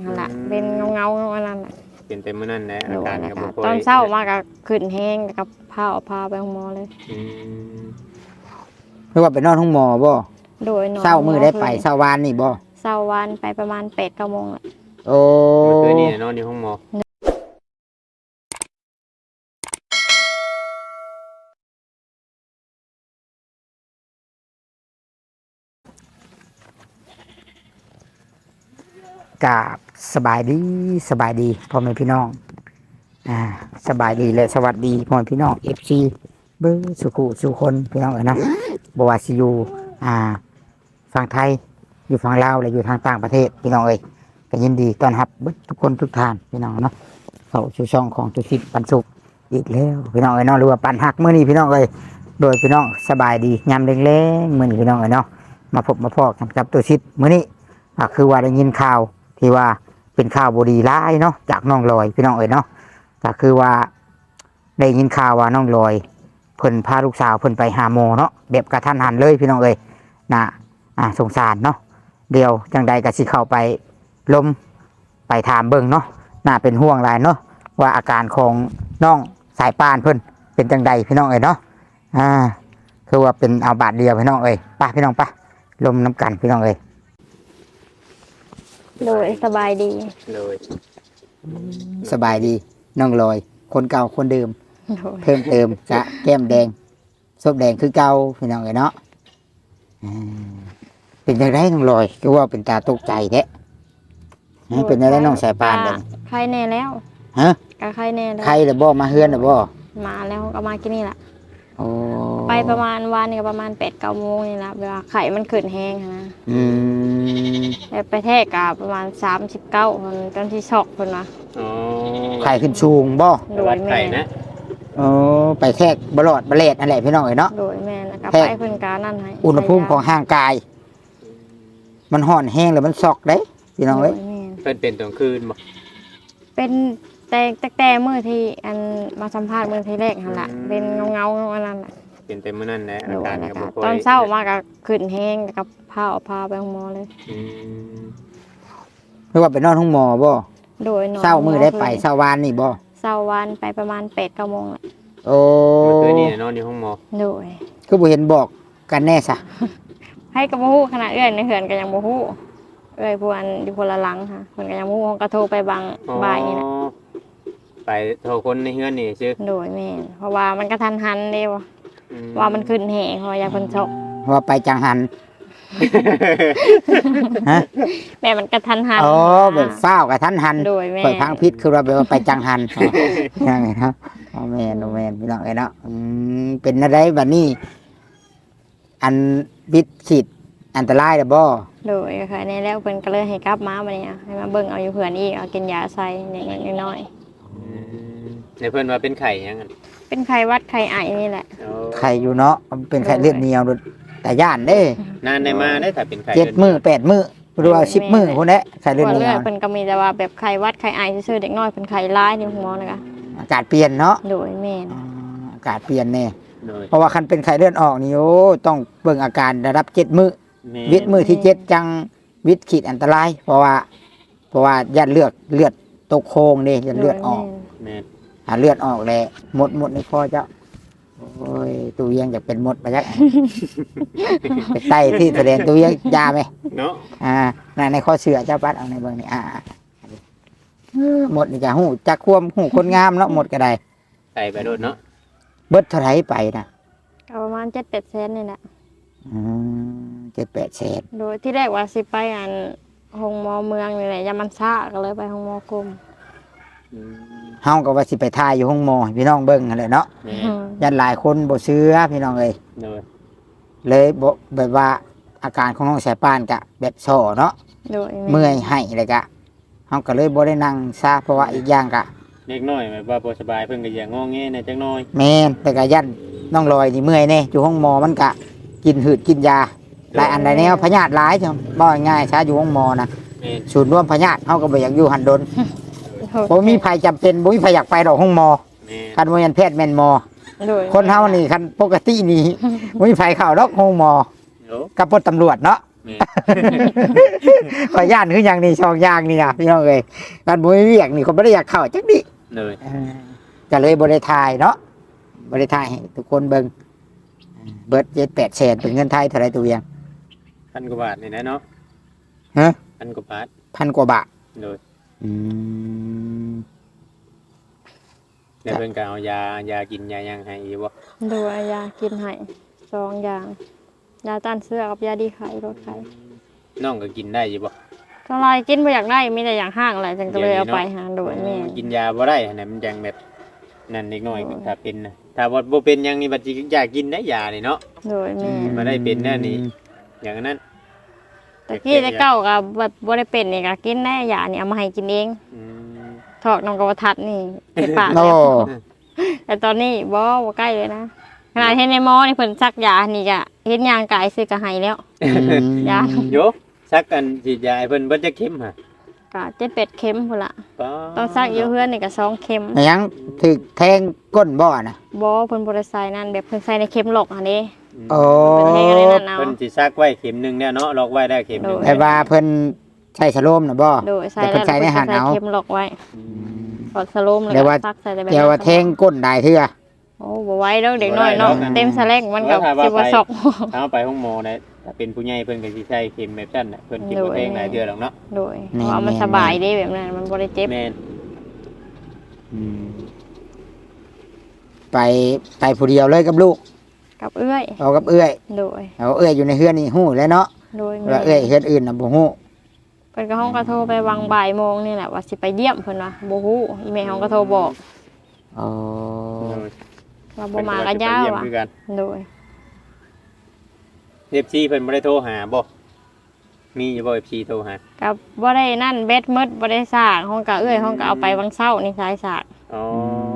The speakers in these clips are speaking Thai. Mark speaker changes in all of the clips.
Speaker 1: หั่นล่ะเป็นเงาอันนั้นน่ะ
Speaker 2: เป็นเต็มมื้อนั้นแหละอาการก็บ่ค่อย
Speaker 1: ตอนเช้ามาก็ขึ้นแห้งกับพาไปโรงหมอเลย
Speaker 3: หรือว่าไปนอนห้องหมอบ่
Speaker 1: โดยนอน
Speaker 3: เช้ามื้อได้ไปเช้าวานนี่บ่
Speaker 1: เช้าวันไปประมาณ 8-9 โมงแหละ
Speaker 3: โอ้
Speaker 2: เมื่อคืนนี้นอนอยู่ห้องหมอ
Speaker 3: กราบสบายดีพ่อแม่พี่น้องสบายดีและสวัสดีพ่อแม่พี่น้อง FC เบิ่งสุคนพี่น้องเอ้ยนะบ่ว่าสิอยู่ฝั่งไทยอยู่ฝั่งลาวและอยู่ทางต่างประเทศพี่น้องเอ้ยก็ยินดีต้อนรับเบิดทุกคนทุกท่านพี่น้องเนาะเข้าสู่ช่องของตุสิทธิ์ปันสุขอีกแล้วพี่น้องเอ้ยเนาะหรือว่าปันหักมื้อนี้พี่น้องเอ้ยโดยพี่น้องสบายดียามแลงๆมื้อนี้พี่น้องเอ้ยเนาะมาพบมาพอกันกับตุสิทธิ์มื้อนี้คือว่าได้ยินข่าวที่ว่าเป็นข่าวบดีร้ายเนาะจากน้องลอยพี่น้องเอ๋ยเนาะก็คือว่าได้ยินข่าวว่าน้องลอยเพิ่นพาลูกสาวเพิ่นไปหาหมอเนาะแบบกระทันหันเลยพี่น้องเอ๋ยนะสงสารเนาะเดียวจังใดก็สิเข้าไปล้มไปถามเบิ่งเนาะน่าเป็นห่วงหลายเนาะว่าอาการของน้องสายปานเพิ่นเป็นจังใดพี่น้องเอ๋ยเนาะคือว่าเป็นเอาบาดเดียวพี่น้องเอ๋ยไปพี่น้องไปล้มน้ำกันพี่น้องเอ๋ย
Speaker 1: โดยสบายดี
Speaker 2: เลย
Speaker 3: สบายดีน้องลอยคนเก่าคนเดิมเพิ่มเติมกะแก้มแดงส้มแดงคือเก่าพี่น้องเอ๋ยเนาะเป็นยังไงน้องลอยก็ว่าเป็นตาตกใจแท้เป็นยังไงน้องสายปานเลย
Speaker 1: ใครแน่แล้ว
Speaker 3: ฮะ
Speaker 1: ก็ใครแน่แล้ว
Speaker 3: ใครเลยบ่มาเฮือนเลยบ่
Speaker 1: มาแล้วก็มากินนี่แหละ
Speaker 3: โอ้
Speaker 1: ไปประมาณวันนี้ก็ประมาณ 8-9 โมงนี่แหละเวลาไข่มันขึ้นแห้งนะไปแทกกับประมาณ39คนตอนที่ช็อกคนนะ
Speaker 3: ไข่ขึ้นสูงบ่
Speaker 1: โดยแม่
Speaker 2: นะ
Speaker 3: ไปแทกบลอดบะเลดอะไรพี่น้องเอ๋ยเนาะ
Speaker 1: โดยแม่แล้วก็ไปเพิ่นกานั่นให้
Speaker 3: อุณหภูมิของร่างกายมันห่อนแห้งแล้วมันช็อกเด้พี่น้องเอ้ย
Speaker 2: เป็นตอนคืนบ่
Speaker 1: เป็นแต่มื้อที่อันมาสัมภาษณ์มื้อที่แรกหั่นล่ะเป็นเงาอันนั้นน่ะ
Speaker 2: เป็นเต็มมื้อนั้นแหละอาการก็บ่ค่อย
Speaker 1: ตอนเช้ามาก็ขึ้นแห้งกับพาไปโรงหมอเลย
Speaker 3: หรือว่าไปนอนห้องหมอบ่
Speaker 1: โดยนอน
Speaker 3: เช้ามื้อได้ไปเช้าวานนี่บ่
Speaker 1: เช้าวันไปประมาณ 8-9 โมงแหละ
Speaker 3: โอ้
Speaker 2: เมื่อคืนนี้นอนอยู่ห้องหมอ
Speaker 1: โดย
Speaker 3: คือบ่เห็นบอกกันแน่ซะ
Speaker 1: ให้ก็บ่ฮู้ขนาดเอื้อยในเฮือนก็ยังบ่ฮู้เอื้อยผู้อันอยู่คนละหลังค่ะเพิ่นก็ยังบ่ฮู้ก็โทรไปบางบ่ายนี่น่ะ
Speaker 2: ไปโทรคนในเฮือนนี่ซื่อ
Speaker 1: โดยแม่นเพราะว่ามันกระทันหันเด้ว่ามันขึ้นแห้งเพราะว่าอยากเพิ่นช็อก
Speaker 3: ว่าไปจังหันฮะ
Speaker 1: แม่มันกระทันหัน
Speaker 3: อ๋อแบบฟ้าวกระทันหัน
Speaker 1: โดยแม่
Speaker 3: เปิดพังพิษคือว่าไปจังหันยังไงครับแม่นพี่น้องเอ้ยเนาะเป็นอะไรบัดนี้อันพิษขีดอันตรายเด้อบ่
Speaker 1: โดยค่ะในแล้วเพิ่นก็เลยให้กลับมาบัดนี้ให้มาเบิ่งเอาอยู่เพื่อนอีกเอากินยาใส่น้อย
Speaker 2: ในเพิ่นว่าเป็นไข้ยังงั้น
Speaker 1: เป็นไข้หวัดไข้ไอนี่แหละ
Speaker 3: ไข้อยู่เนาะเป็นไข้เลือดเหนียวแต่ย่านเด้
Speaker 2: นานได้มาได้ถ้าเป็นไข้
Speaker 3: 7 มื้อ 8 มื้อหรือว่า10 มื้อพุ่นแหละไข้เลือดเหนียว
Speaker 1: เพิ่นก็มีแต่ว่าแบบไข้หวัดไข้ไอซื่อๆเด็กน้อยเพิ่นไข้ร้ายนี่หมอนะคะ
Speaker 3: อากาศเปลี่ยนเนาะ
Speaker 1: โดยแม่น
Speaker 3: อากาศเปลี่ยนแน่เพราะว่าคันเป็นไข้เลือดออกนี่โอ้ต้องเบิ่งอาการระดับ7 มื้อวิตมื้อที่7จังวิตขีดอันตรายเพราะว่ายัดเลือดตกโคงเด้ยัดเลือดออกเลือดออกแล้วหมดในคอเจ้าโอ้ยตู้เยียงจะเป็นหมดไปยักไปไต่ที่แสดงตู้เยียงยาไหม
Speaker 2: เนาะ
Speaker 3: ในข้อเสือเจ้าปัดเอาในเบื้องนี้หมดนี่จะหูจักควมหูคนงามเนาะหมดก็ได้
Speaker 2: ไต่ไปโดดเนาะ
Speaker 3: เบิดเท่าไหร่ไปนะ
Speaker 1: ประมาณ7-8 แสนนี่แหละ
Speaker 3: 7-8 แสน
Speaker 1: โดยที่แรกว่าสิไปอันห้องหมอเมืองนี่แหละยามันซ่าก็เลยไปห้องหมอกรม
Speaker 3: เฮาก็ว่าสิไปทายอยู่ห้องหมอพี่น้องเบิ่งนั่นแหละเนาะยันหลายคนบ่เชื่อพี่น้องเลยบ่แบบว่าอาการของน้องสายปานกะแบบโซ่เนาะเมื่อยให้เลยกะเฮาก็เลยบ่ได้นั่งซะเพราะว่าอีกอย่างกะ
Speaker 2: เล็กน้อยแบบว่าบ่สบายเพิ่นก็อย่างงอแงในจักหน่อย
Speaker 3: แม่นแต่ก็ยันน้องลอยนี่เมื่อยแน่อยู่ห้องหมอมันกะกินหืดกินยาหลายอันหลายแนวพยาธิหลายจังบ่ง่ายซะอยู่ห้องหมอนะศูนย์รวมพยาธิเฮาก็บ่อยากอยู่หันดนบ่มีภัยจำเป็นบ่มีภัยอยากไปดอกห้องหมอคันบ่แม่นแพทย์แม่นหมอคนเฮานี่คันปกตินี่บ่มีภัยเข้าดอกห้องหมอกับพวกตำรวจเนาะ
Speaker 2: แม่
Speaker 3: ขอย่านคืออย่างนี้ช่องอย่างนี่นะพี่น้องเอ้ยการบ่มีเวียกนี่เขาบ่ได้อยากเข้าจักดิ
Speaker 2: เลย
Speaker 3: ก็เลยบ่ได้ถ่ายเนาะบ่ได้ถ่ายให้ทุกคนเบิ่งเบิด7-8 แสนเป็นเงินไทยเท่าไหร่ตัวเวียง
Speaker 2: พันกว่าบาทนี่นะเนาะ
Speaker 3: ฮะ
Speaker 2: พันกว่าบาท
Speaker 3: พันกว่าบาท
Speaker 2: เลย
Speaker 3: อืม
Speaker 2: แล้วเพิ่นก็เอายากินยายังให้อีกบ่
Speaker 1: ดูยากินให้2อย่างยาต้านเสื้อกับยาดีไข้ลดไข้
Speaker 2: น้องก็กินได้อยู่บ่
Speaker 1: เท่าไรกินบ่อยากได้มีแต่อย่างห้างอะไรจังก็เลยเอาไปหาโดยแม่
Speaker 2: กินยาบ่ได้อันนั้นมันจังแบบนั่นเล็กน้อยถ้าเป็นนะถ้าบ่เป็นหยังนี่บัดสิอยากกินได้ยานี่เนาะ
Speaker 1: โดยแม่
Speaker 2: มาได้เป็นแน่นี่อย่างนั้น
Speaker 1: แต่กี้แต่เก้ากับบ่ได้เป็นนี่ก็กินได้ยานี่เอามาให้กินเอง
Speaker 2: อืม
Speaker 1: ถอกน้ำกระทัดนี่เจ็บปาก
Speaker 3: โอ้
Speaker 1: แต่ตอนนี้บ่ใกล้เลยนะขนาดเห็นในหมอนี่เพิ่นซักยานี่ก็เห็นยางกายซื้อก็ให้แล้ว ยา
Speaker 2: โยซักกันฉีดยาให้เพิ่นเบิดจักเข็มฮะ
Speaker 1: ก็7-8 เข็มพุ่นล่ะ
Speaker 2: ก็
Speaker 1: ต้องซักอยู่เฮือนนี่ก็2 เข็ม
Speaker 3: ยังถึกแทงก้นบ่อนะ
Speaker 1: บ่เพิ่นบ่ได้ใส่นั่นแบบเพิ่นใส่ในเข็มหลอกอันนี้
Speaker 3: โอ้
Speaker 1: เพิ่นให้อะไรนั่นเอา
Speaker 2: เพิ่นสิซักไว้เข็มหนึงเนี่ยเนาะล็อกไว้ได้เข็มหนึง
Speaker 3: ไอ้ว่าเพิ่นใช้สโลมนะบ่
Speaker 1: โดยใส่
Speaker 3: แต่
Speaker 1: แล้
Speaker 3: เพิ่น
Speaker 1: ว
Speaker 3: ใช้ในหัน
Speaker 1: เพิ่น
Speaker 3: เอา
Speaker 1: ใส่เข็มหลอกไว้กดสโลมแล้ว
Speaker 3: เดี๋ยว
Speaker 1: ก็
Speaker 3: ว่า
Speaker 1: ซักใส่แต่แบบ
Speaker 3: เดี๋ยวว่าแทงก้นได้เทื่อ
Speaker 1: โอ้บ่ไหวแล้วเด็กน้อยเนาะเต็มสะแลงมันก็สิบ่ซอก
Speaker 2: ถ้าเอาไปห้องหมอนะถ้าเป็นผู้ใหญ่เพิ่นก็สิใช้เข็มแบบนั้นน่ะเพิ่นสิบ่แทงหลายเทื่อหรอกเนาะ
Speaker 1: โดยเพราะว่ามันสบายเด้แบบนั้นมันบ่ได้เจ็บ
Speaker 2: แม่น
Speaker 3: อืมไปผู้เดียวเลยกับลูก
Speaker 1: กับเอื้อย
Speaker 3: เอากับเอื้อย
Speaker 1: โดย
Speaker 3: เอาเอื้อยอยู่ในเฮือนนี่ฮู้แล้วเนาะ
Speaker 1: โดย
Speaker 3: ว่าเอื้อยเฮือนอื่นน่ะบ่ฮู้
Speaker 1: เพิ่นก็ห้องก็โทรไปวางบ่ายโมงนี่แหละว่าสิไปเยี่ยมเพิ่นว่าบ่ฮู้อีแม่ห้องก็โทรบอก
Speaker 3: อ๋อ
Speaker 1: ว่าบ่มาก็ยาว
Speaker 2: เพิ่น
Speaker 1: อ่ะ
Speaker 2: ก็สิไปเยี่ยมคือกัน
Speaker 1: โดย
Speaker 2: FC เพิ่นบ่ได้โทรหาบ่มีอยู่บ่ FC โทรหา
Speaker 1: กับบ่ได้นั่นเบ็ดหมดบ่ได้สร้างห้องก็เอื้อยห้องก็เอาไปวังเช้านี่สายสาก
Speaker 2: อ๋อ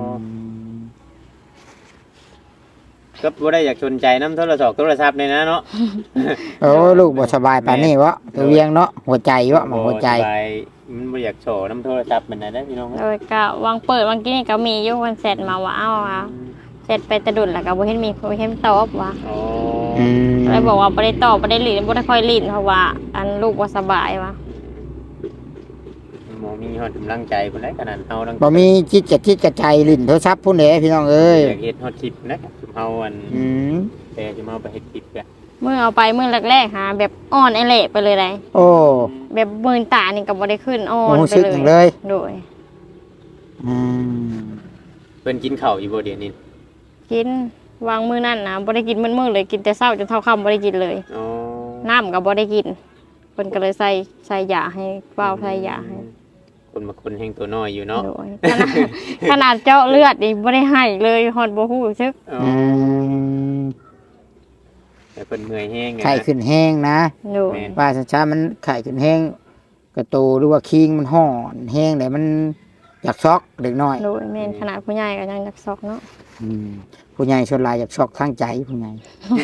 Speaker 2: ก็บ่ได้อยากสนใจนำโทรศัพท์นี่นะเนาะ
Speaker 3: โอ้ลูกบ่สบายปานนี้วะตัวเวียงเนาะหัวใจวะมันหัวใจ
Speaker 2: สบายมันบ่อยากโชว์น้ำโทรศัพท์มันน่ะเด้อพี่น้อง
Speaker 1: โดยก็วางเปิดวางกี้นี่ก็มีอยู่เพิ่นเสร็จมาว่าเอ้าว่าเสร็จไปแตะดุนแล้วก็บ่เห็นมีบ่เห็นตอบว่า
Speaker 2: อ๋อ
Speaker 3: อืม
Speaker 1: เลยบอกว่าบ่ได้ตอบบ่ได้ลิ้นบ่ได้ค่อยลิ้นเพราะว่าอันลูกบ่สบายว่า
Speaker 2: หมอมีฮอดกำลังใจพุ่นได้ขนาดเฮาทั้ง
Speaker 3: บ่มีจิตกระใจลิ้นโทรศัพท์พุ่นเด้พี่น้องเอ้ย
Speaker 2: อยากเฮ็ดฮอดคลิปนะเฮาอัน
Speaker 3: อืม
Speaker 2: แต่จะมาไปเฮ็ดคลิปกัน
Speaker 1: มื้อเอาไปมื้อแรกๆหาแบบอ่อนไอเละไปเลยได้
Speaker 3: โอ้
Speaker 1: แบบมือตานี่ก็บ่ได้ขึ้นอ่อ
Speaker 3: บ่
Speaker 1: น
Speaker 3: รู้
Speaker 1: ไป
Speaker 3: สึก
Speaker 1: เล
Speaker 3: หยัง
Speaker 1: ย
Speaker 3: เลย
Speaker 1: โดย
Speaker 3: อืม
Speaker 2: เพิ่นกินข้าวอยู่บ่เดี๋ยวนี้
Speaker 1: กินวางมื้อนั้นนะบ่ได้กินมื้อเลยกินแต่เช้าจนเท่าค่ำบ่ได้กินเลย
Speaker 2: อ๋อ
Speaker 1: น้ำก็บ่ได้กินเพิ่นก็เลยใส่ยาให้เป้าใส่ยาให้
Speaker 2: คนมาคนแห่งตัวน้อยอยู่เนาะ
Speaker 1: โดยขนาดเจาะเลือดนี่บ่ได้ให้เลยฮอดบ่ฮู้ซึก
Speaker 2: อ๋อ
Speaker 3: อืม
Speaker 2: แต่เพิ่นเมื่อยแห้งไง
Speaker 3: ไข้ขึ้นแห้งนะ
Speaker 1: โดย
Speaker 3: ว่าช้าๆมันไข้ขึ้นแห้งกระตูหรือว่าคิงมันห่อนแห้งแต่มันอยากช็อกเด็กน้อย
Speaker 1: โดยแม่นขนาดผู้ใหญ่ก็ยังอยากซอกเนาะ
Speaker 3: อืมผู้ใหญ่ชนหลายอยากช็อกทางใจผู้ใหญ่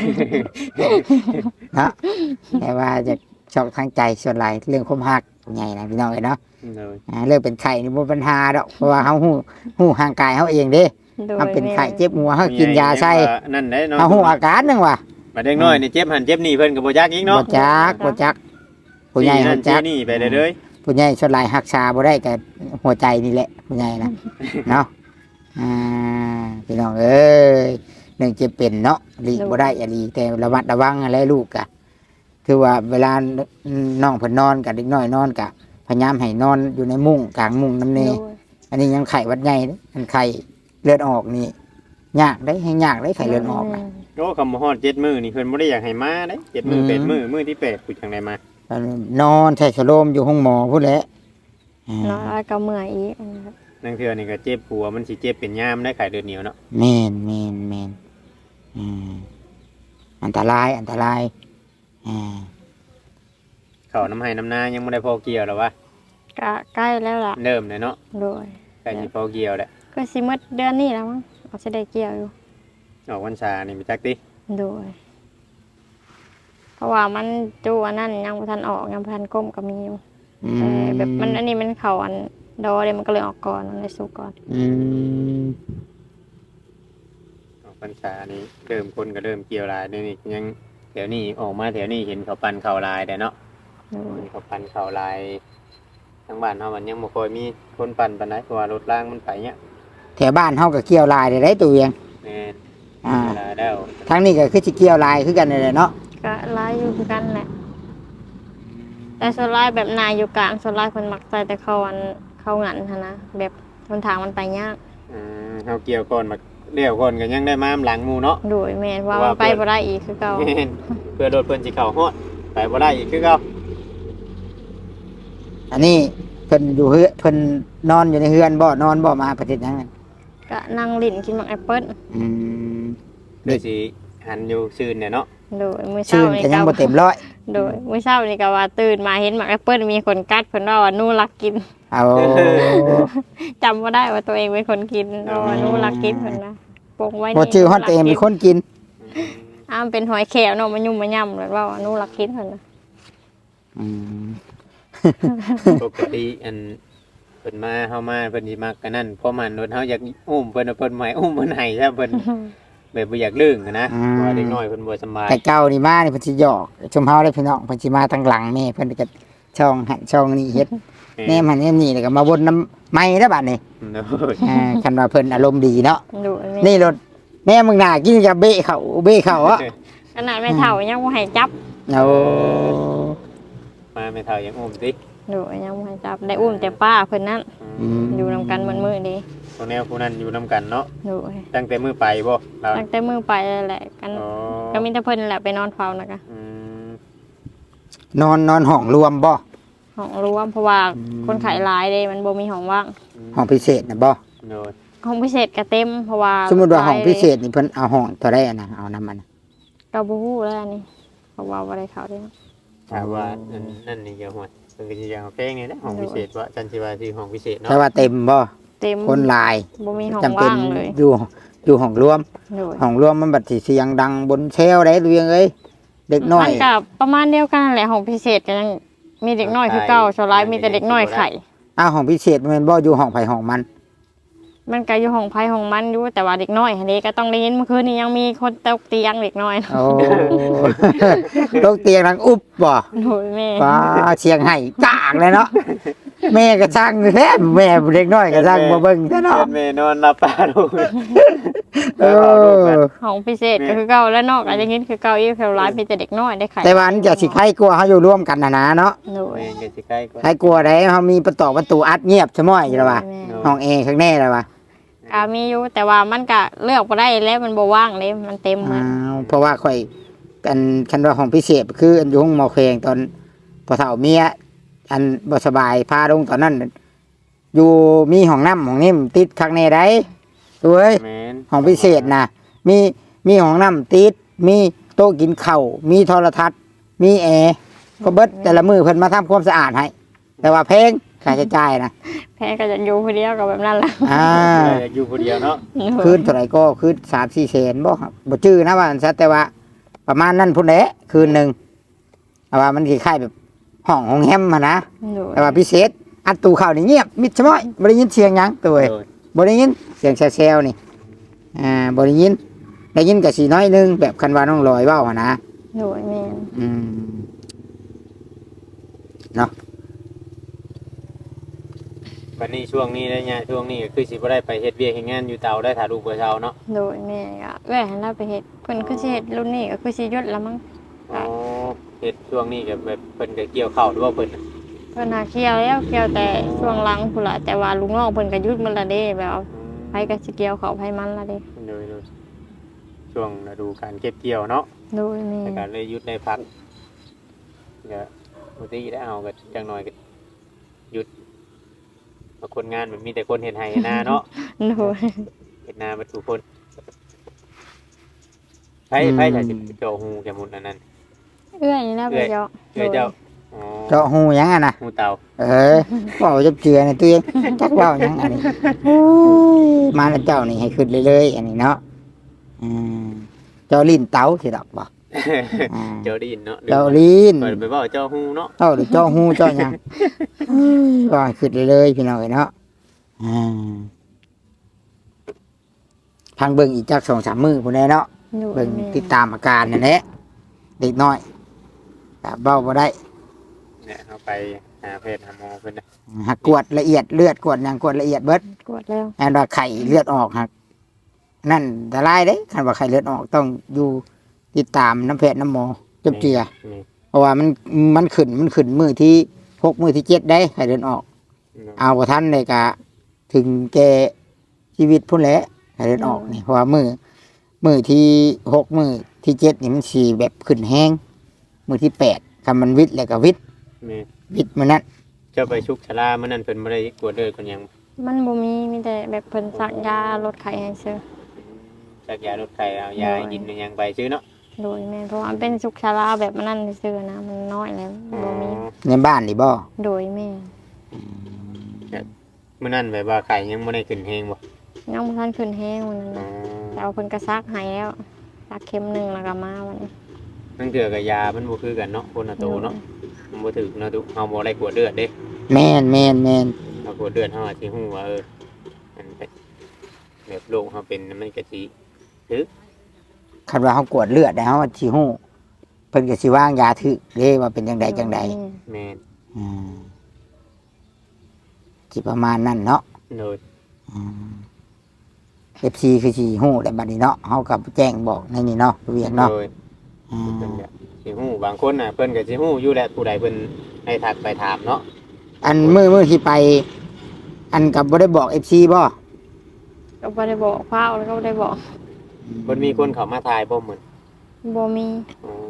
Speaker 3: นะแต่ว่าจะช็อกทางใจส่วนหลายเรื่องความหักผู้ใหญ่นะพี่น้องเอ้ยเนาะ
Speaker 2: เลย
Speaker 3: เรื่องเป็นไข้นี่บ่ปัญหาดอกเพราะว่าเฮาฮู้ห่างกายเฮาเองเด้
Speaker 1: โดย
Speaker 3: เฮาเป็นไข้เจ็บหัวเฮากินยาใส่
Speaker 2: นั่นได้เนาะ
Speaker 3: เฮาฮู้อาการนึงว่ะ
Speaker 2: มาเด็กน้อยนี่เจ็บหันเจ็บนี่เพิ่นก็บ่จักอีกเนาะ
Speaker 3: บ่จักผู้ใหญ่
Speaker 2: นั่
Speaker 3: ฮู้
Speaker 2: น
Speaker 3: จัก
Speaker 2: นี่ไปเลย
Speaker 3: ผู้ใหญ่ส่วนหลายรักษาบ่ได้ก็หัวใจนี่แหละผู้ใหญ่นะ เนาะอ่าพี่น้องเอ้ยเรื่องเจ็บเป็นเนาะหลีกบ่ได้อย่าหลีกแต่ระมัดระวังอะไรลูกกะคือว่าเวลาน้องเพิ่นนอนกับเด็กน้อยนอนกะพยายามให้นอนอยู่ในมุ้งกลางมุ้งน้ำเน
Speaker 1: โดย
Speaker 3: อันนี้ยังไข้หวัดใหญ่เด้มันไข้เลือดออกนี่ยากได้ให้ยากได้ไข้เลือดออกนะ
Speaker 2: โอ้คำว่าฮอด7มื้อนี่เพิ่นบ่ได้อยากให้มาเด้7มื้อ8มื้อที่8ผู้จังได๋มา
Speaker 3: นอนใส่สโลมอยู่ห้องหมอพูดแหล้ว
Speaker 1: เนาะแล้วก็เมื่อยอีก
Speaker 2: นั่นคืออันนี้ก็เจ็บหัวมันสิเจ็บเป็นยามได้ไข้เลือดเหนียวเนาะ
Speaker 3: แมนอืมอันตรายอ่า
Speaker 2: เข้าน้ำให้น้ำนายังบ่ได้พอเกี่ยวหรอวะ
Speaker 1: ก็ใกล้แล้วล่ะ
Speaker 2: เริ่มเลยเนาะ
Speaker 1: โดย
Speaker 2: ใกล้สิพอเกี่ยวแล้ว
Speaker 1: ก็สิหมดเดือนนี้แล้วมั้งเอาสิได้เกี่ยวอยู่
Speaker 2: ออกพรรษานี่ไปจักติ
Speaker 1: โดย เพราะว่ามันจูอันนั้นยังบ่ทันออกยังบ่ทันก้มก็มีอยู่
Speaker 3: อื
Speaker 1: แต่
Speaker 3: ม
Speaker 1: แบบมันอันนี้มันเข้าอันดอเลยมันก็เลยออกก่อนมันเลยสุกก่อน
Speaker 3: อืม
Speaker 2: ออกพรรษานี่เริ่มคนก็เริ่มเกี่ยวหลายเดี๋ยวนี้ยังเดี๋ยวนี้ออกมาแถวนี้เห็นเขาปั่นข้าวลายแต่เนาะ
Speaker 1: โดย
Speaker 2: เขาปั่นข้าวลายทางบ้านเฮามันยังบ่ค่อยมีคนปั่นปานใดเพราะว่ารถรางมันไปเนี่ย
Speaker 3: แถวบ้านเฮาก็เกี่ยวลายได้ตัวเอง
Speaker 2: แม่น
Speaker 3: อ่า
Speaker 2: เวลาแล้ว
Speaker 3: ทางนี้ก็คือสิเกี่ยวลายคือกันนั่นแหละเนาะ
Speaker 1: ก็หลายอยู่คือกันแหละแต่ส่วนหลายแบบนายอยู่กลางส่วนหลายคนมักใส่แต่เขาอันเขางันหั้นนะแบบทนทางมันไปยาก
Speaker 2: เฮาเกี่ยวก่อนมาเดี่ยวก่อนก็ยังได้มาหลังหมู่เนาะ
Speaker 1: โดยแม่นว่ามันไปบ่ได้อีกคือเก่า
Speaker 2: แม่นเพื่อรถเพิ่นสิเข้าฮอดไปบ่ได้อีกคือเก่า
Speaker 3: อันนี้เพิ่นอยู่เฮือนเพิ่นนอนอยู่ในเฮือนบ่นอนบ่มาประเทศนั้นน่ะ
Speaker 1: ก็นั่งลิ้นกินมักแอปเปิ้ล
Speaker 3: อืม
Speaker 2: เดี๋ยวสิหันอยู่ซื่นเนี่ยเนาะ
Speaker 1: โดยมื้อ
Speaker 3: ชื่
Speaker 1: เช้าน นี่
Speaker 3: ก็ยัง
Speaker 1: ก็
Speaker 3: บ่เต็มร้อย
Speaker 1: โดยมื้อเช้านี่ก็ว่าตื่นมาเห็นมักแอปเปิ้ลมีคนกัดเพิ่นว่าหนูรักกิน
Speaker 3: เอา
Speaker 1: จำบ่ได้ว่าตัวเองเป็นคนกินว่าหนูรักกินเพิ่นนะปงไว้
Speaker 3: บ่ชื่อฮอดตัวเองเป็นคนกิน
Speaker 1: อ้ามเป็นหอยแขวเนาะมันยุ่มมันย่ำเลยว่าหนูรักกินเพิ่นนะ
Speaker 3: อืม
Speaker 2: ปกติอันเพิ่นมาเฮามาเพิ่นสิมักกันนั่นเพราะมันรถเฮาอยากอุ้มเพิ่นเอาเพิ่นมาให้อุ้มเพิ่นให้ซะเพิ่นแบบบ่อยากลึงอะนะเพราะว่าเด็กน้อยเพิ่นบ่สำบาย
Speaker 3: แต่เก่านี่มานี่เพิ่นสิหยอกชมเฮาได้พี่น้องเพิ่นสิมาทางหลังแม่เพิ่นก็ช่องหันช่องนี้เฮ็ดแนมหันแนมนี่แล้วก็มาวนน้ำไม้แล้วบัดนี้
Speaker 2: โอ้ย
Speaker 3: คันว่าเพิ่นอารมณ์ดีเนาะ
Speaker 1: ดูอันนี้
Speaker 3: นี่รถแม่มึงน่ากินกับเบะเขาอ่ะ
Speaker 1: ขนาดไม่เท่ายังบ่ให้จับ
Speaker 3: เอา
Speaker 2: มาไม่เท่ายังอุ้มติ
Speaker 1: ดูยังบ่ให้จับได้อุ้มแต่ป้าเพิ่นนั่น
Speaker 3: อืม
Speaker 1: อยู่นำกันมื้อนี้
Speaker 2: คนแนวผู้นั้นอยู่นํกันเนาะ
Speaker 1: ดู
Speaker 2: ตั้งแต่มื้อไปบ่เรา
Speaker 1: ตั้งแต่มื้อไปแล้วแหละกัน
Speaker 2: อ๋อ
Speaker 1: ก็มีแต่เพิ่นแหละไปนอนเฝ้านะคะ
Speaker 2: อืม
Speaker 3: นอนห้องรวมบ่
Speaker 1: ห้องรวมเพราะว่าคนไข้หลายเด้มันบ่มีห้องว่าง
Speaker 3: ห้องพิเศษนะบ่
Speaker 2: โดย
Speaker 1: ห้องพิเศษก็เต็มเพราะว่า
Speaker 3: สมมุติว่าห้อง
Speaker 1: หลย
Speaker 3: พิเศษนี่เพิ่นเอาห้องเท่าใดอะนะเอานำมัน
Speaker 1: ก็บ่ฮู้แล้วอันนี้เพราะว่าบ่ได้เข้าเด้
Speaker 2: ถามว่านั่นนี่จะห่วยเพิ่นก็สิยังเอาแป้งนี่แหละห้องพิเศษว่าจันสิว่าที่ห้องพิเศษเนาะ
Speaker 3: แต่ว่าเต็มบ่
Speaker 1: เต็ม
Speaker 3: คนหลาย
Speaker 1: บ่มีห้อง
Speaker 3: จำเป็น
Speaker 1: ว่างเลย
Speaker 3: อยู่ห้องรวม
Speaker 1: ดู
Speaker 3: ห้องรวมมันบัดสิเสียงดังบนเชลได้เรื่องเอ้ยเด็กน้อย
Speaker 1: มันก็ประมาณเดียวกันนั่นแหละห้องพิเศษก็ยังมีเด็กน้อยคือเก่าโซลายมีแต่เด็กน้อยไข่
Speaker 3: อ้าวห้องพิเศษมันบ่อยู่ห้องไผห้องมัน
Speaker 1: มันก็อยู่ห้องไผห้องมันอยู่แต่ว่าเด็กน้อยอันนี้ก็ต้องได้ยินเมื่อคืนนี้ยังมีคนตกเตียงเด็กน้อย
Speaker 3: โอ้ ตกเตียงดังอุบบ่
Speaker 1: โอ้ยแม่
Speaker 3: ฟ้าเชียงไห้กากเลยเนาะแม่ก็ช่างแท้แม่เด็กน้อยก็ช่างบ่เบิ่งแท้เนาะ
Speaker 2: แม่นอนหลับตาลูก
Speaker 3: เออ
Speaker 1: ห้องพิเศษก็คือเก่าแล้วนอกอาจจะยินคือเก่าอีกโซลายมีแต่เด็กน้อยได้ไข่
Speaker 3: แต่ว่าอันจะสิใครกลัวเฮาอยู่ร่วมกันนะเนาะ
Speaker 1: โอ้ย
Speaker 2: แม่ก็สิใกล้กว่า
Speaker 3: ใครกลัวได้เฮามีประตูอัดเงียบซะม้อยอยู่แล้วว่า
Speaker 1: แม่
Speaker 3: ห้องแอร์ข้างแน่แล้วว่า
Speaker 1: ก็มีอยู่แต่ว่ามันก็เลือกบ่ได้แล้วมันบ่ว่างเลยมันเต็มหม
Speaker 3: อ้า
Speaker 1: ด
Speaker 3: วเพราะว่าข่อยอันคันว่าห้องพิเศษคืออันอยู่ห้องหมอแขงตอนพอเฒ่าเมียอันบ่สบายพาลงตอนนั้น อยู่มีห้องน้ำห้องนิ่มติดข้างในได้เอ้ย
Speaker 2: แม่น
Speaker 3: ห้องพิเศษนะมีห้องน้ำติดมีโต๊ะกินข้าวมีโทรทัศน์มีแอร์ก็เบิดแต่ละมือเพิ่นมาทำความสะอาดให้แต่ว่าแพงค่าใช้จ่ายนะ
Speaker 1: แพ้ก็จะอยู่คนเดียวกับแบบนั้นแหละ
Speaker 3: อ่า
Speaker 2: อยากอยู่ผู้เดียวเนาะ
Speaker 3: คืนเท่าไหร่ก็คืน3-4แสนบ่ครับบ่จื้อนะว่าอันซะแต่ว่า ประมาณนั้นพุ่นแหละคืนหนึงแต่ว่ามันคล้ายๆแบบห้องแฮมอะนะ
Speaker 1: โอ้ย
Speaker 3: แต่ว่าพิเศษอัดตู้ข้าวนี่เงียบมิดชะม้อยบ่ได้ยินเสียงหยังตัวเอ้ย
Speaker 2: โดย
Speaker 3: บ่ได้ยินเสียงแซวๆนี่บ่ได้ยินก็สิน้อยหนึงแบบคันว่าน้องลอยเว้าหั่นนะ
Speaker 1: โอ้ยแม่น
Speaker 3: อืมเนาะ
Speaker 2: บัดนี้ช่วงนี้ได้เนี่ยช่วงนี้ก็คือสิบ่ได้ไปเฮ็ดเวียกเฮ็ดงานอยู่เตาได้ถ้าลูกบ่เช้าเนาะ
Speaker 1: โดยแม่ก็เอ้ยให้เราไปเฮ็ดเพิ่นคือสิเฮ็ดรุ่นนี้ก็คือสิหยุดแล้วมั้ง
Speaker 2: อ๋อเฮ็ดช่วงนี้ก็แบบเพิ่นก็เกี่ยวข้าวหรือว่าเพิ่นน่ะ
Speaker 1: เพิ่นหาเกี่ยวแล้วเกี่ยวแต่ช่วงหลังพุ่นล่ะแต่ว่าลุงน้องเพิ่นก็หยุดมันละเด้แบบว่าไผก็สิเกี่ยวเขาไผมันละเด้
Speaker 2: โดยช่วงฤดูการเก็บเกี่ยวเนาะ
Speaker 1: โดยแม่
Speaker 2: แต่การเลยหยุดได้พักก็ปกติได้เอาก็จังหน่อยก็หยุดบางคนงานมันมีแต่คนเฮ็ดให้เฮ็ดนาเนาะ
Speaker 1: โดย
Speaker 2: เฮ็ดนาเบ่ทุกคนไผถ้าสิเจาะหูแกมุนอันนั้น
Speaker 1: เอื้อยนี่นะไปเจาะ
Speaker 2: เอ้ยเจ้าอ๋อ
Speaker 3: เจาะหูหยังอ่ะนะ
Speaker 2: หูเต่า
Speaker 3: เว้าจับเจือนี่ตัวเองจักเว้าหยังอันนี้โอ้ยมาแล้วเจ้านี่ให้ขึ้นเลยๆอันนี้เนาะอืมเจ้าลิ้นเต๋าสิดอกบ่อ่า
Speaker 2: เจ้าดินเนาะ
Speaker 3: เจ้าลิ้น
Speaker 2: เปิดไปเว้าเจ้าหูเนาะ
Speaker 3: เจ้าหรือเจ้าหูเจ้าหยังว่าขึ้นเลยๆพี่น้องเอ้ยเนาะอ่าทางเบิ่งอีกจัก2-3มื้อพุ่นแหละเนาะ
Speaker 1: โดย
Speaker 3: เบิ่ง
Speaker 1: แม่
Speaker 3: ติดตามอาการนั่นแหละเด็กน้อยก็เว้าบ่ได้
Speaker 2: เนี่ยเอาไปหาเพศหาหมอเพิ่นนะ
Speaker 3: หักกวดละเอียดเลือดกวดหยังกวดละเอียดเบิด
Speaker 1: กวดแล้ว
Speaker 3: อันว่าไข่เลือดออกหักนั่นอันตรายเด้คันว่าไข่เลือดออกต้องอยู่ติดตามน้ำแพทย์น้ำหมอจบเจือ
Speaker 2: นี่
Speaker 3: เพราะว่ามันขึ้นมือที่6 มื้อที่ 7ได้ไข่เลือดออก เอาบ่ทันเลยก็ถึงแก่ชีวิตพุ่นแหละไข่เลือดออกนี่เพราะว่ามือที่6 มื้อที่ 7นี่มันสิแบบขึ้นแห้งมื้อที่8คันมันวิตแล้วก็วิต
Speaker 2: นี่
Speaker 3: มื้อนั้น
Speaker 2: เจ้าไปชุกชรามื้อนั้นเพิ่นบ่ได้กวดเลือดคนหยัง
Speaker 1: มันบ่มีแต่แบบเพิ่นสั่งยาลดไข้ให้ซื้อ
Speaker 2: จากยาลดไข้เอายากินหยังไปซื้อเนาะ
Speaker 1: โดยแม่เพราะว่ามันเป็นสุขชาราแบบมันนั่นซื้อนะมันน้อยแล้วบ่มี
Speaker 3: ในบ้านนี่บ่
Speaker 1: โดยแม่
Speaker 2: มื้อนั้นแบบว่าไข้ยังบ่ได้ขึ้นแฮงบ่
Speaker 1: ยังบ่ทันขึ้นแห้งวันนั้น
Speaker 2: อ๋อ
Speaker 1: นะแต่เอาเพิ่นก็ซักให้แล้วซักเข็มหนึงแล้วก็มาวันนี้
Speaker 2: นั่นเถื่อกับยามันบ่คือกันเนาะคนละโตเนาะมันบ่ถึกเนาะทุกเฮาบ่ได้กวดเลือดเด้
Speaker 3: แม่น
Speaker 2: เฮากวดเลือดเฮาอาจสิฮู้ว่ามันเป็นแบบโรคเฮาเป็นมันก็สิถึก
Speaker 3: คันว่าเขากวดเลือดได้เขาสิฮู้เพิ่นก็สิวางยาถึกเด้ว่าเป็นจังใด
Speaker 2: แม่น
Speaker 3: อืมสิประมาณนั้นเนาะ
Speaker 2: โดย
Speaker 3: FC คือสิฮู้แล้วบัดนี้เนาะเฮาก็แจ้งบอกในนี่เนาะเวียงเนาะ
Speaker 2: โดย
Speaker 3: อืม
Speaker 2: เพิ่นก็สิฮู้บางคนน่ะเพิ่นก็สิฮู้อยู่แหละผู้ใดเพิ่นให้ทักไปถามเนาะ
Speaker 3: อันมื้อที่ไป อันกับบ่ได้บอก FC บ่
Speaker 1: ก็บ่ได้บอกพาแล้วก็บ่ได้บอก
Speaker 2: เพิ่นมีคนเข้ามาถ่ายบ่เหมือน
Speaker 1: บ่มี
Speaker 2: อ๋อ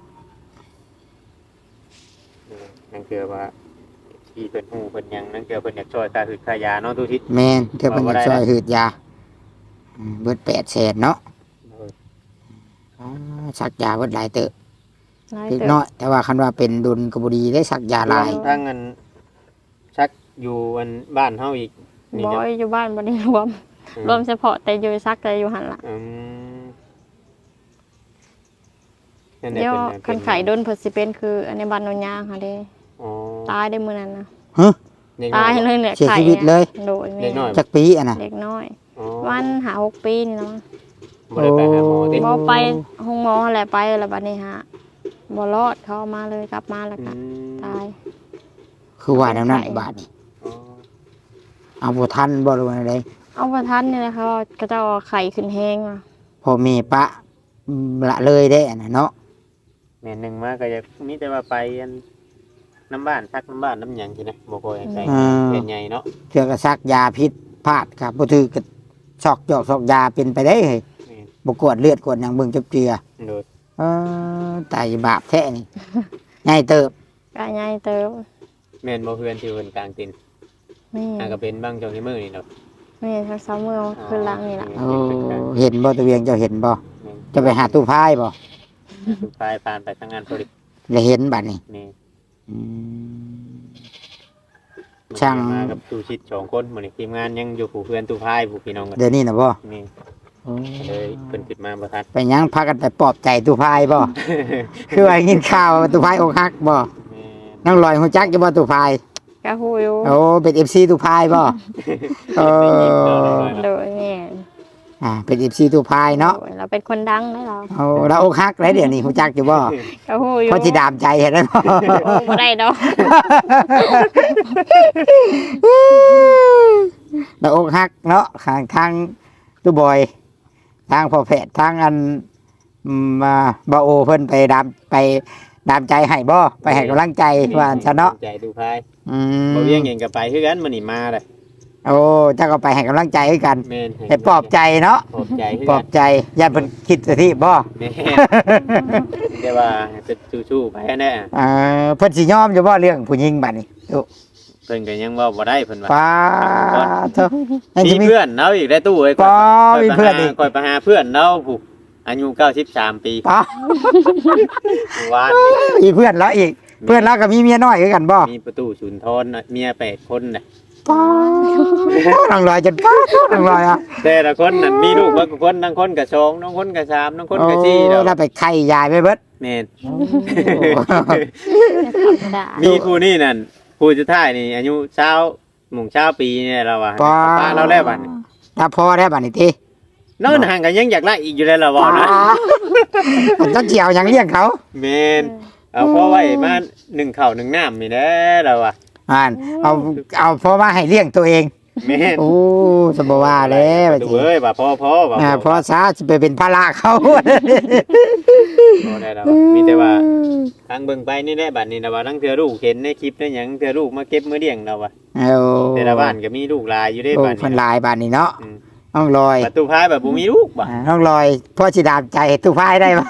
Speaker 2: นั่นคือว่าที่เพิ่นฮู้เพิ่นหยังนั่นคือเพิ่นอยากช่วยค่าหืดค่ายาเนาะทุกทิศ
Speaker 3: แม่นเทื่อเพิ่นจะช่วยหืดยาเบิด800,000เนาะสักยาเบิดหลายเติบ
Speaker 1: น้อย
Speaker 3: เล็ก
Speaker 1: เติบ
Speaker 3: น้อยแต่ว่าคันว่าเป็นดุลก็บ่ดีได้สักยาหลาย
Speaker 2: ทั้งเงินชักอยู่อันบ้านเฮาอีกนี่
Speaker 1: บ่
Speaker 2: จะ
Speaker 1: อยู่บ้านบ่ได้รวม รวมเฉพาะแต่อยู่ซักแต่อยู่หั่นล่ะ
Speaker 2: นั่นแหละ
Speaker 1: เดี๋ยว
Speaker 2: เพิ่น
Speaker 1: คันไข้โดนเพิ่นสิเป็นคืออันในบ้านโนนยางค่ะเด้
Speaker 2: อ๋อ
Speaker 1: ตายได้มื้อนั้นนะ
Speaker 2: เด็กน้
Speaker 1: ตา
Speaker 2: อย
Speaker 1: ยเลยแหละ
Speaker 3: เสีย
Speaker 1: ไข้
Speaker 3: ชีวิตเลย
Speaker 1: โดยแม่
Speaker 2: เด็กน้อย
Speaker 3: จักปีอะนะ
Speaker 1: เด็กน้อย
Speaker 2: อ๋อ
Speaker 1: วันหา6 ปีนี่เนาะ
Speaker 2: บ่ได้ไปหาหมอติ
Speaker 1: บ่ไปห้องหมอแหละไปแล้วบัดนี้ฮะบ่รอดเขาเอามาเลยกลับมาแล้ว
Speaker 2: อื
Speaker 1: ก็
Speaker 2: ม
Speaker 1: ตาย
Speaker 3: คือว่าแนวนั้นบาดนี้
Speaker 2: อ๋อ
Speaker 3: เอาบ่ทันบ่รู้อะไร
Speaker 1: เอาประทันนี่แหละเขาก็จะเอาไข่ขึ้นแห้งอ่ะ
Speaker 3: พอมีปะละเลยได้อันน่ะเนาะ
Speaker 2: แม่นหนึงมาก็อยากมีแต่ว่าไปอันน้ำบ้านซักน้ำบ้านน้ำหยังสินะบ่ค่อยให้ใส่เป็นใหญ่เนาะ
Speaker 3: เทื่อก็ซักยาพิษพลาดครับบ่ถือก็ชอกจอกซอกยาเป็นไปได้เฮ้ย
Speaker 2: แม่น
Speaker 3: บ่กวดเลือดกวดหยังเบิ่งจับเจือ
Speaker 2: โดย
Speaker 3: ตายบาปแท้นี่ ง่ายเติบ
Speaker 1: ก็ใหญ่เติบ
Speaker 2: แม่นบ่เพื่อนที่เพิ่นกลางติน
Speaker 1: นี่
Speaker 2: ก็เป็นบางช่วงที่มื้อนี่เนาะ
Speaker 1: นี่ทั้งสามมือคือหลังนี่แหละ
Speaker 3: โอ้เห็นบ่ตะเวียงเจ้าเห็นบ่
Speaker 2: แม่น
Speaker 3: จะไปหาตู้พายบ่
Speaker 2: สุดท้ายผ่านไปทางงานพอดี
Speaker 3: จะเห็นบัดนี้
Speaker 2: นี่
Speaker 3: อืม ช่าง
Speaker 2: มากับตูชิด2คนมื้อนี้ทีมงานยังอยู่ผู้เพื่อนตู้พายผู้พี่น้องกัน
Speaker 3: เดี๋ยวนี้น่ะบ่
Speaker 2: นี่
Speaker 3: โอ้
Speaker 2: เลยเพิ่นขึ้นมาบ่ทัน
Speaker 3: ไปหยังพากันไปปลอบใจตู้พายบ่ คือว่ากินข้าวว่าตู้พายอกหักบ่
Speaker 2: แม่
Speaker 3: น้องลอยฮู้จักอยู่บ่ตู้พาย
Speaker 1: ก็ฮู้อยู่
Speaker 3: โอ้เป็น FC ตู้พายบ่เออ
Speaker 1: โดยแม่
Speaker 3: เป็น FC ตู้พายเนาะ
Speaker 1: โดยเราเป็นคนดังได้เรา
Speaker 3: โอ้เราอกหักแล้วเดี๋ยวนี้ฮู้จักอยู่บ่
Speaker 1: ก็ฮู้อยู่
Speaker 3: เพราะสิดามใจเห็นแล้วบ่
Speaker 1: โอ้บ่ได้ดอก
Speaker 3: เราอกหักเนาะทางตู้บอย ทางพ่อแพทย์ทางอันมาบ่โอเพิ่นไปดามใจให้บ่ไปให้กำลังใจว่าซะเนาะ
Speaker 2: ใจตู้พาย
Speaker 3: อืม
Speaker 2: บ่เวียงเองก็ไปคือกันมื้อนี้มาเลย
Speaker 3: โอ้เจ้าก็ไปให้กำลังใจให้กัน
Speaker 2: แม่น
Speaker 3: ให้ปลอบใจเนาะ
Speaker 2: ปลอบใจคือ
Speaker 3: ปลอ
Speaker 2: กับ น
Speaker 3: ใจอย่าเพิ่นคิดสิที่บ่
Speaker 2: แม่นแต่ว่าจะสู้ๆไปแน่
Speaker 3: เพิ่นสิยอมอยู่บ่เรื่องผู้หญิงบัดนี้โอ้
Speaker 2: เพิ่นก็ยังเว้าบ่ได้เพิ่นว่า
Speaker 3: ป้าเถอะยัง
Speaker 2: มี
Speaker 3: สิมี
Speaker 2: เพื่อนเนาะอีกได้ตู้เอ้ย
Speaker 3: ป้ามีเพื่อนอีก
Speaker 2: คอยไปหาเพื่อนเนาะผู้อายุ93ปี
Speaker 3: ป้า
Speaker 2: วาน
Speaker 3: มีเพื่อนแล้วอีก เพื่อนแล้วก็มีเมียน้อยคือกันบ่
Speaker 2: มีประตูสุนทรน่ะเมีย8คนน่ะ
Speaker 3: ป้าน้องลอยจนป้าน้องลอยอ่ะ
Speaker 2: แต่ละคนนั่นมีลูกบางคนบางคนก็2บางคนก็3บางคนก็4
Speaker 3: โอ้
Speaker 2: เด้อ
Speaker 3: ถ้าไปไข่ยายไปเบิด
Speaker 2: แม่น
Speaker 1: ธรรมดา
Speaker 2: มีผู้นี่นั่นผู้สุดท้ายนี่อายุ20หมู่20ปีเนี่ยเราว่า
Speaker 3: ป้า
Speaker 2: ป้าเราแล้วบัดนี้
Speaker 3: ถ้าพอได้บัดนี้ติ
Speaker 2: นอนห่างกันยังอยากไล่อีกอยู่เลยเหรอบ่นะ
Speaker 3: ผมต้องเจียวหยังเลี้ยงเขา
Speaker 2: แม่นเอาเพราะไว้มา1ข้าว1น้ำนี่แหละเราอ่ะ
Speaker 3: เอาเพราะว่าให้เลี้ยงตัวเอง
Speaker 2: แม่น
Speaker 3: โอ้สบว่าแล้ว
Speaker 2: ดูเอ้ยว่าพ่อว่า
Speaker 3: เพราะซาจะไปเป็นภาระเขา
Speaker 2: บ่ได้แล้วมีแต่ว่าทางเบิ่งไปนี่แหละบัดนี้นะว่าทั้งเทื่อลูกเห็นในคลิปในหยังเทื่อลูกมาเก็บมื้อเลี้ยงเราว่ะ
Speaker 3: เอา
Speaker 2: แต่ละบ้านก็มีลูกหลายอยู่เด้
Speaker 3: โอ้
Speaker 2: บ้าน
Speaker 3: เพิ่น
Speaker 2: นี้
Speaker 3: ลายบ้านนี้เนาะน้องลอย
Speaker 2: ประตูพายแบบบ่มีลูกบ่
Speaker 3: น้องลอยพ่อสิดามใจตู้พายได้บ่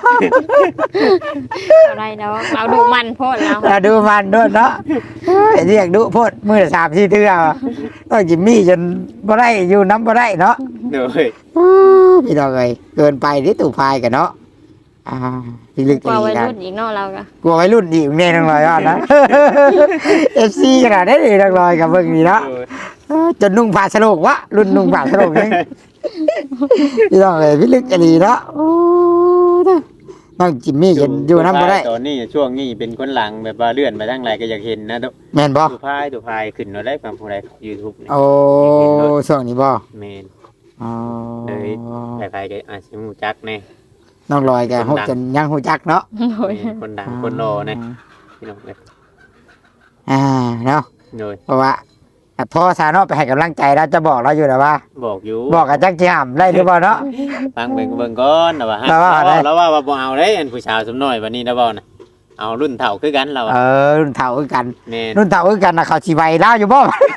Speaker 1: อะไรเนาะเราดูมันโพดแล้ว
Speaker 3: เราดูมันด้วยเนาะเรียกดูโพดมือละ3-4เทื่อต้องจิมมี่จนบ่ได้อยู่น้ำบ่ได้เนาะ
Speaker 2: เด้อ
Speaker 3: พี่น้องเอ้ยเกินไปที่ตู้พายกันเนาะพี่ลึก
Speaker 1: กว่าวัย
Speaker 3: นะ
Speaker 1: รุ่นอีกเนาะเราก็
Speaker 3: กลัววัยรุ่นอีกแน่น้องลอยว่านะ FC ขนาดนี้น้องลอยกับเบิ่งนี่เนาะจนนุ่งผ้าสโลกวะรุ่นนุ่งผ้าสโลกนี่พี่น้องเอ้ยพี่ลึกอหลีเนาะโอ้น้องจิมมี่จะอยู่น้ำบ่ได้
Speaker 2: ตอนนี้ช่วงนี้เป็นคนหลังแบบว่าเลื่อนไปทางไหนก็อยากเห็นนะตุ
Speaker 3: แม่นบ่
Speaker 2: ตู้พายขึ้นมาได้ความผู้ใด YouTube นี่
Speaker 3: โอ้ช่วงนี้บ่
Speaker 2: แม่น
Speaker 3: อ๋อ
Speaker 2: ใครๆก็อาจสิฮู้จักแน่
Speaker 3: น้องลอยก็ฮู้จนยังฮู้จักเนาะ
Speaker 1: โอ้ย
Speaker 2: แม่นคนดังคนรอแน่พี่น้องเอ้ย
Speaker 3: เนาะ
Speaker 2: โดย
Speaker 3: เพราะว่าพ่อสาเนาะไปให้กำลังใจแล้วจะบอกเราอยู่แล้วว่า
Speaker 2: บอกอยู่
Speaker 3: บอกกับจักสิห้ามได้หรือเปล่าเนาะ
Speaker 2: ฟังเบิ่งก่อนนะว่าฮะ
Speaker 3: แล้วว่าอะไร
Speaker 2: แล้วว่าบ่เอาเด้อันผู้ชายสมน้อยวันนี้นะบ่นะเอารุ่นเฒ่าคือกันเรา
Speaker 3: รุ่นเฒ่าคือกัน
Speaker 2: แม่น
Speaker 3: รุ่นเฒ่าคือกันนะเขาสิไวเล่าอยู่บ่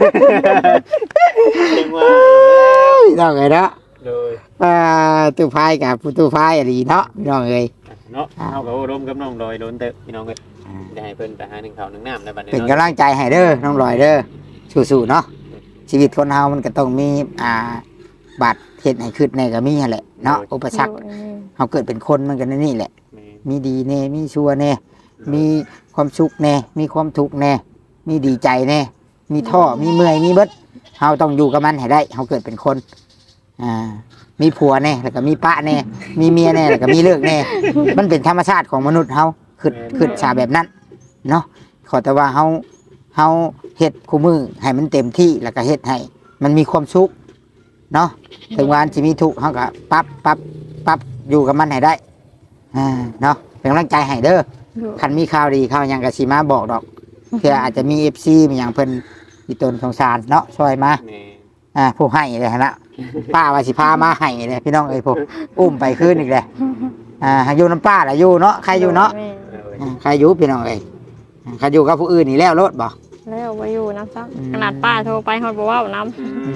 Speaker 2: เรียกว่า
Speaker 3: น้องเอ้ยเนาะ
Speaker 2: โดย
Speaker 3: ตู้พายกับผู้ตู้พายอะไรเนาะพี่น้องเอ้ย
Speaker 2: เนาะเฮาก็ร่วมกับน้องดอยโดนเตอะพี่น้องเอ้ยได้ให้เพิ่นไปหา1ข้าว1น้ำในบัดนี้
Speaker 3: เป็นกำลังใจให้เด้อน้องลอยเด้อสู้ๆเนาะชีวิตคนเฮามันก็ต้องมีบาดเฮ็ดให้ขึ้นในก็มีนั่นแหละเนาะอุปสรรคเฮาเกิดเป็นคนมันก็ในนี่แหละ
Speaker 2: แม่น
Speaker 3: มีดีแน่มีชั่วแน่มีความสุขแน่มีความทุกข์แน่มีดีใจแน่มีท้อมีเมื่อยมีเบิดเฮาต้องอยู่กับมันให้ได้เฮาเกิดเป็นคนมีผัวแน่แล้วก็มีปะแน่มีเมียแน่แล้วก็มีเลิกแน่มันเป็นธรรมชาติของมนุษย์เฮาขึ้นชาแบบนั้นเนาะขอแต่ว่าเฮาเฮ็ดคู่มือให้มันเต็มที่แล้วก็เฮ็ดให้มันมีความสุขเนาะถึงวันสิมีทุกข์เฮาก็ปรับอยู่กับมันให้ได้เนาะเป็นกำลังใจให้เด้อคันมีข่าวดีข่าวหยังก็สิมาบอกดอกเพื่ออาจจะมี FC มีหยังเพิ่นมีตนสงสารเนาะช่วยมา
Speaker 2: แม่น
Speaker 3: ผู้ให้เลยนะป้าว่าสิพามาให้เลยพี่น้องเอ้ยพวกอุ้มไปคืนอีกเลยอยู่น้ำป้าล่ะอยู่เนาะใครอยู่เนาะ
Speaker 1: แม่
Speaker 3: ใครอยู่พี่น้องเอ้ยใครอยู่กับผู้อื่นนี่แล้วรถบ่
Speaker 1: แล้วบ่อยู่น้ำซักขนาดป้าโทรไปฮอดบ่เว้าน้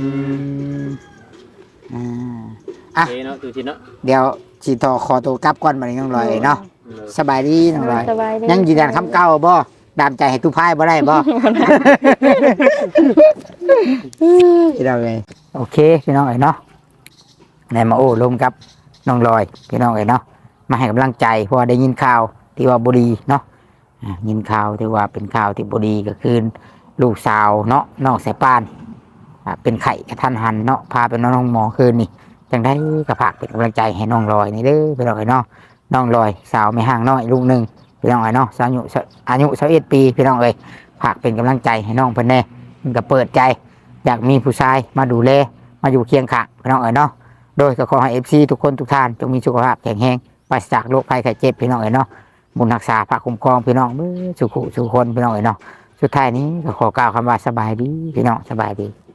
Speaker 3: อ่ะ
Speaker 2: เนาะตูชิเนาะ
Speaker 3: เดี๋ยวสิต่อขอตัวกลับก่อนบัดนี้น้องลอยเนาะสบายดีน้องลอย
Speaker 1: ำสบายดี
Speaker 3: ยังยืนยันคำเก่าบ่ดามใจให้ตู้พายบ่ได้บ่ พี่น้องเอ้ยโอเคพี่น้องเอ้ยเนาะในมาโอ้ลมกับน้องลอยพี่น้องเอ้ยเนาะมาให้กำลังใจเพราะว่าได้ยินข่าวที่ว่าบ่ดีเนาะยินข่าวที่ว่าเป็นข่าวที่บ่ดีก็คือลูกสาวเนาะน้องสายปานเป็นไข้กระทันหันเนาะพาไปนอนห้องหมอคืนนี่จังได้กระผากเป็นกำลังใจให้น้องลอยนี่เด้อพี่น้องเอ้ยเนาะน้องลอยสาวไม่ห่างน้อยลูกหนึ่งพี่น้องเอ้ยเนาะอายุ21 ปีพี่น้องเอ้ยผากเป็นกำลังใจให้น้องเพิ่นแน่มันก็เปิดใจอยากมีผู้ชายมาดูแลมาอยู่เคียงข้างพี่น้องเอ๋ยเนาะโดยก็ขอให้ FC ทุกคนทุกท่านจงมีสุขภาพแข็งแรงปราศจากโรคภัยไข้เจ็บพี่น้องเอ๋ยเนาะบุญรักษาพระคุ้มครองพี่น้องสุขุสุขคนพี่น้องเอ๋ยเนาะสุดท้ายนี้ก็ขอกล่าวคำว่าสบายดีพี่น้องสบายดี